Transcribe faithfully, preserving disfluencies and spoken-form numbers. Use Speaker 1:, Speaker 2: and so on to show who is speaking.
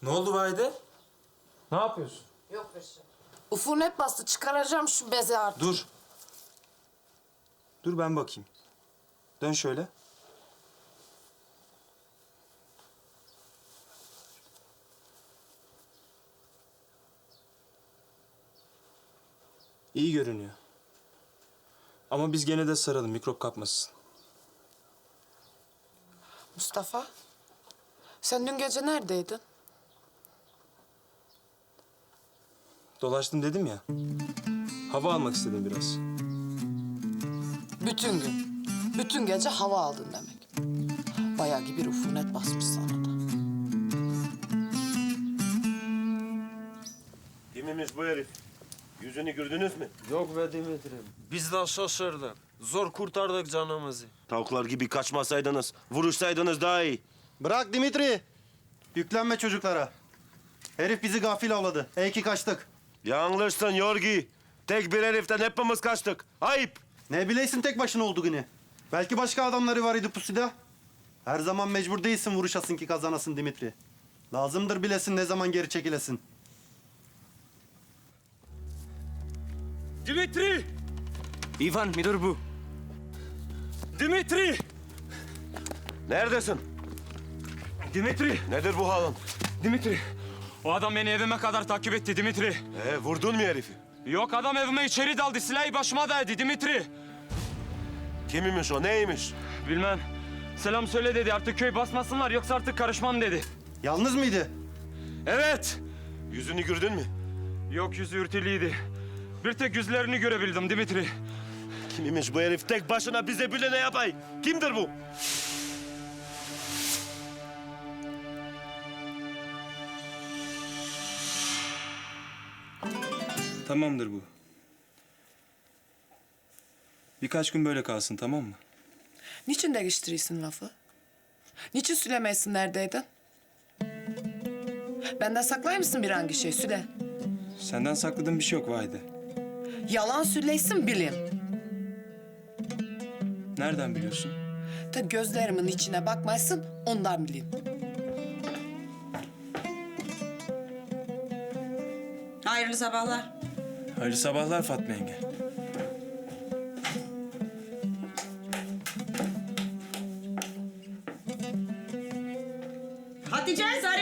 Speaker 1: Ne oldu Vahide? Ne yapıyorsun?
Speaker 2: Yok Reşat. Ufunet bastı. Çıkaracağım şu bezi artık.
Speaker 1: Dur. Dur ben bakayım. Dön şöyle. İyi görünüyor. Ama biz gene de saralım, mikrop kapmasın.
Speaker 2: Mustafa, sen dün gece neredeydin?
Speaker 1: Dolaştım dedim ya. Hava almak istedim biraz.
Speaker 2: Bütün gün. Bütün gece hava aldın demek. Bayağı gibi bir ufunet basmış sana da.
Speaker 3: Kimmiş bu herif? Yüzünü gördünüz mü?
Speaker 4: Yok be Dimitri. Biz de şaşırdık. Zor kurtardık canımızı.
Speaker 3: Tavuklar gibi kaçmasaydınız, vuruşsaydınız daha iyi.
Speaker 5: Bırak Dimitri. Yüklenme çocuklara. Herif bizi gafil avladı. İyi ki kaçtık.
Speaker 3: Yanlışsın Yorgi. Tek bir heriften hepimiz kaçtık. Ayıp.
Speaker 5: Ne bileysin tek başına olduğunu. Belki başka adamları var idi pusuda. Her zaman mecbur değilsin vuruşasın ki kazanasın Dimitri. Lazımdır bilesin ne zaman geri çekilesin.
Speaker 4: Dimitri!
Speaker 6: İvan müdür bu.
Speaker 4: Dimitri!
Speaker 3: Neredesin?
Speaker 4: Dimitri!
Speaker 3: Nedir bu halin?
Speaker 4: Dimitri! O adam beni evime kadar takip etti Dimitri.
Speaker 3: Ee, vurdun mu herifi?
Speaker 4: Yok adam evime içeri daldı. Silahı başıma daydı Dimitri.
Speaker 3: Kimmiş o, neymiş?
Speaker 4: Bilmem. Selam söyle dedi. Artık köy basmasınlar yoksa artık karışmam dedi.
Speaker 5: Yalnız mıydı?
Speaker 4: Evet.
Speaker 3: Yüzünü gördün mü?
Speaker 4: Yok yüzü ürtülüydü. Bir tek yüzlerini görebildim Dimitri.
Speaker 3: Kimmiş bu herif? Tek başına bize bile ne yapay? Kimdir bu?
Speaker 1: Tamamdır bu. Birkaç gün böyle kalsın, tamam mı?
Speaker 2: Niçin değiştiriyorsun lafı? Niçin söylemeysin neredeydin? Benden saklar mısın bir hangi şey? Süle.
Speaker 1: Senden sakladığım bir şey yok Vahide.
Speaker 2: Yalan söyleysin bileyim.
Speaker 1: Nereden biliyorsun?
Speaker 2: Ta gözlerimin içine bakmaysın ondan bileyim.
Speaker 7: Hayırlı sabahlar.
Speaker 1: Hayırlı sabahlar Fatma yenge.
Speaker 7: Hatice, Zahide